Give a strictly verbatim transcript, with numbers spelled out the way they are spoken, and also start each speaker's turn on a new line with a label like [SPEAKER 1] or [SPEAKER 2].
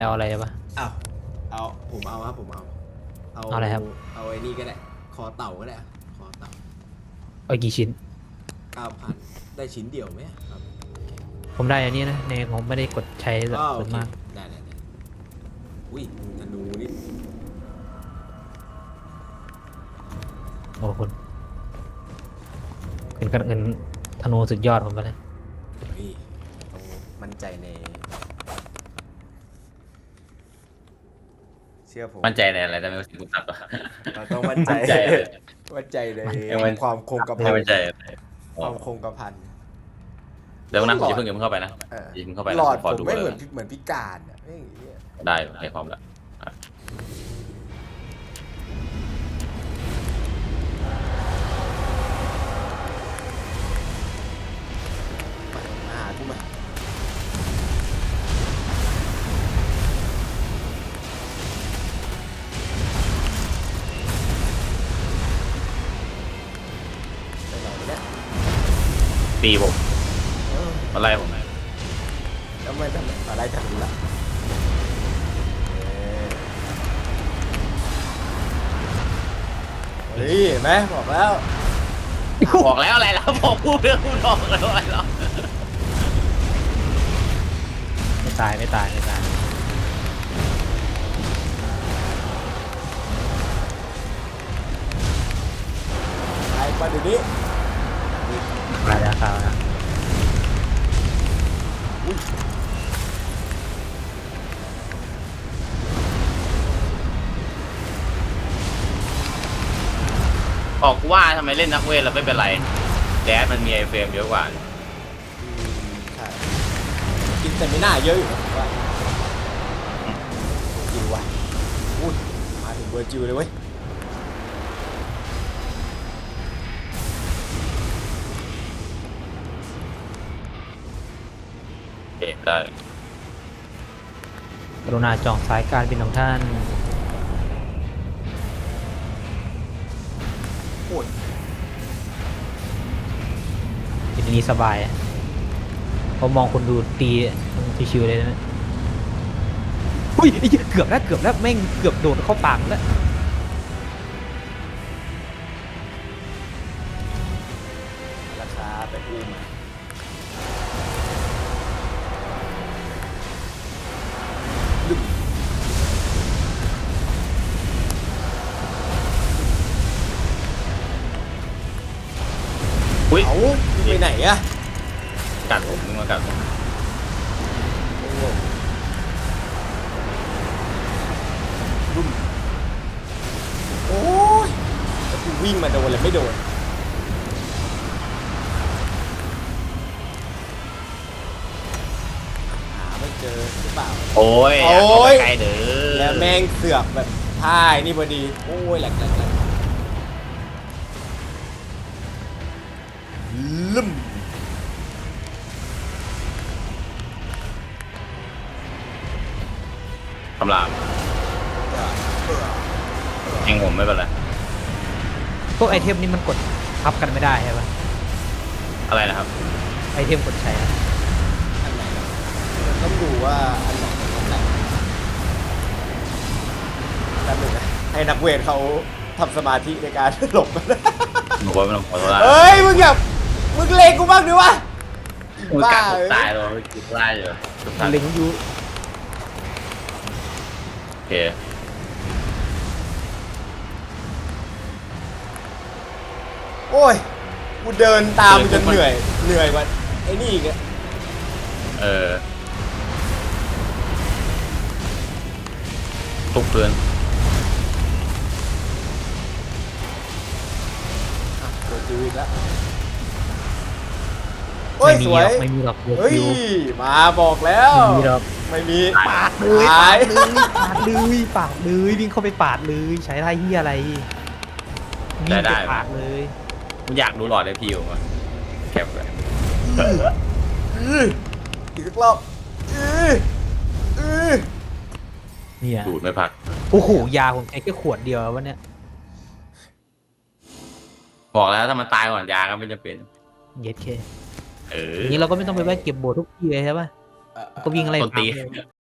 [SPEAKER 1] เอาอะไรปะ
[SPEAKER 2] อ้าวเอาผมเอาครับผมเอาเอา
[SPEAKER 1] เอาอะไรครับ
[SPEAKER 2] เอาไอ้นี่ก็ได้คอเต่าก็ได้อะคอเต่า
[SPEAKER 1] เอากี่ชิ้น
[SPEAKER 2] เก้าพันได้ชิ้นเดียวไหมครับ
[SPEAKER 1] ผมได้อันนี้นะในผมไม่ได้กดใช้แบบ
[SPEAKER 2] อ้าวโอเค
[SPEAKER 1] ส่วนมาก
[SPEAKER 2] ได้ได้ได้อุ้ยธนูนี่
[SPEAKER 1] โอ้คุณเป็นกันเงินธนูสุดยอดผมไปเลย
[SPEAKER 2] เฮ้ยต้องมั่นใจในเชื่อผม
[SPEAKER 3] มั่นใจในอะไรแต่ไม่รู้สึกกูตัดวะ
[SPEAKER 2] เราต้องมั่นใจ
[SPEAKER 3] มั่นใจเลย
[SPEAKER 2] มั่นใจใน
[SPEAKER 3] ยังมั่น
[SPEAKER 2] ความคงกระพั
[SPEAKER 3] ไม่
[SPEAKER 2] น
[SPEAKER 3] มั่นใจอะไร
[SPEAKER 2] ความคงกระพัน
[SPEAKER 3] เดี๋ยวนะผมจะเพิ่งอย่าเพิ่งเข้าไปนะ
[SPEAKER 2] เออ
[SPEAKER 3] อย่าเพิ่งเข้าไปนะ
[SPEAKER 2] หลอด
[SPEAKER 3] ขอ
[SPEAKER 2] ผม
[SPEAKER 3] ดู
[SPEAKER 2] ไม่
[SPEAKER 3] เล
[SPEAKER 2] เหมือย นเหมือนพิการอ่ะไม่อย่างเงี้ย
[SPEAKER 3] ได้ให้พร้อมแล้วอ่ะ
[SPEAKER 2] มามาหากูมาไปไหนเนี่ย
[SPEAKER 3] ตีผม
[SPEAKER 2] เออ
[SPEAKER 3] มาไล่ผมหน่อย
[SPEAKER 2] แล้วไม่ทำอะไรทำล่ะเฮ้ยเห็นไหมบอกแล้ว
[SPEAKER 3] บอกแล้วอะไรแล้วบอกพูดเรื่องพูดบอกแล้วอะไรแล้ว
[SPEAKER 1] ไม่ตายไม่ตายไม่ตาย
[SPEAKER 2] ไปมาเดี๋ยวนี้
[SPEAKER 1] ตายแล้วครับนะ
[SPEAKER 3] ออกว่าทำไมเล่นนักเวทแล้วไม่เป็นไรแดดมันมีไอเฟรมเยอะกว่า
[SPEAKER 2] อืมใช่กินแต่ไม่น่าเยอะอยู่นะว่าจริงว่ะอุ้ยมาถึงเวอร์จิวเลยเว้ย
[SPEAKER 3] เอ็ได้
[SPEAKER 1] กรุณาจองสายการบินของท่าน
[SPEAKER 2] โอ้ย
[SPEAKER 1] ทีนี้สบายอะผมมองคนดูตีชิวๆเลยนะอุ้ยไอ้เหี้ยเกือบแล้วเกือบแล้วแม่งเกือบโดดเข้าปากแล้ว
[SPEAKER 2] ราคาไปอุ้มอะลึก
[SPEAKER 3] อุ้ย
[SPEAKER 2] เอาไปไหนอะ
[SPEAKER 3] กัดผมมึงมากัดผม
[SPEAKER 2] โอ้โหลุ่มโอ้ยแล้วกูวิ่งมาโดนเลยไม่โดนหาไม่เจอหรือเปล่า
[SPEAKER 3] โอ้ย
[SPEAKER 2] โอ้ย
[SPEAKER 3] ไกลเด้อ
[SPEAKER 2] แล้วแม่งเสือกแบบท่ายนี่พอดี โอ้ยแหลกแหลกแหลกลึ่ม
[SPEAKER 3] คำรามเองผมไม่เป็นไร
[SPEAKER 1] พวกไอเทมนี่มันกดทับกันไม่ได้ใช่ปะ
[SPEAKER 3] อะไรนะครับ
[SPEAKER 1] ไอเทมกดใช้อะ
[SPEAKER 2] อันไหนนะต้องดูว่าอันไหนเป็นอันไหนแป๊บหนึงนะให้นักเวทเขาทำสมาธิในการ หลบมัน
[SPEAKER 3] บอกว่าไม่ต้องขอโทษนะ
[SPEAKER 2] เฮ้ย มึงอย่ามึงเลงกูบ้างดิวะ
[SPEAKER 3] มึง
[SPEAKER 2] บ้า
[SPEAKER 3] กัดผ
[SPEAKER 2] เอ้
[SPEAKER 3] ม
[SPEAKER 2] ย
[SPEAKER 3] ตายเลยกินได้อยู่ทุกท่าน
[SPEAKER 1] เล็งอยู
[SPEAKER 3] โอเค
[SPEAKER 2] โอ้ย กูเดินตามจนเหนื่อย เหนื่อยกว่าไอ้นี่อีกอะ
[SPEAKER 3] เออทุกเพื่อน
[SPEAKER 2] อ่ะโดนจิวอีกแล้วโอ้ย
[SPEAKER 1] ไม่
[SPEAKER 2] ส
[SPEAKER 1] มี
[SPEAKER 2] ว
[SPEAKER 1] หร
[SPEAKER 2] ย
[SPEAKER 1] อกไม่มีหรอก
[SPEAKER 2] เฮ้ย
[SPEAKER 1] คิว
[SPEAKER 2] มาบอกแล้ว
[SPEAKER 1] ไม่มีหรอก
[SPEAKER 2] ไม่มี
[SPEAKER 1] ปาดเลย
[SPEAKER 2] ตาย
[SPEAKER 1] ปาดเลยปาดเลยวิ่งเข้าไปปาดเลยใช้ท่าเฮียอะไรวิ่งไปปาดเลย
[SPEAKER 3] มึงอยากดูหลอดเลยพี่ผมอะแคปเลย
[SPEAKER 2] อื้ออีกสักรอบอื้ออื้อ
[SPEAKER 1] เนี่ย
[SPEAKER 3] ดูดไม่พัก
[SPEAKER 1] โอ้โหยาผมใช้แค่ขวดเดียววะเนี่ย
[SPEAKER 3] บอกแล้วถ้ามันตายก่อนยาก็ไม่จำเป็น
[SPEAKER 1] เย็ดเค
[SPEAKER 3] เออ
[SPEAKER 1] อย่างนี้เราก็ไม่ต้องไปแวะเก็บโบสถ์ทุกทีเลยใช่ปะ
[SPEAKER 2] เอ่อ
[SPEAKER 1] ก็วิ่งอะไร
[SPEAKER 3] ต้นตี
[SPEAKER 1] ตามเลย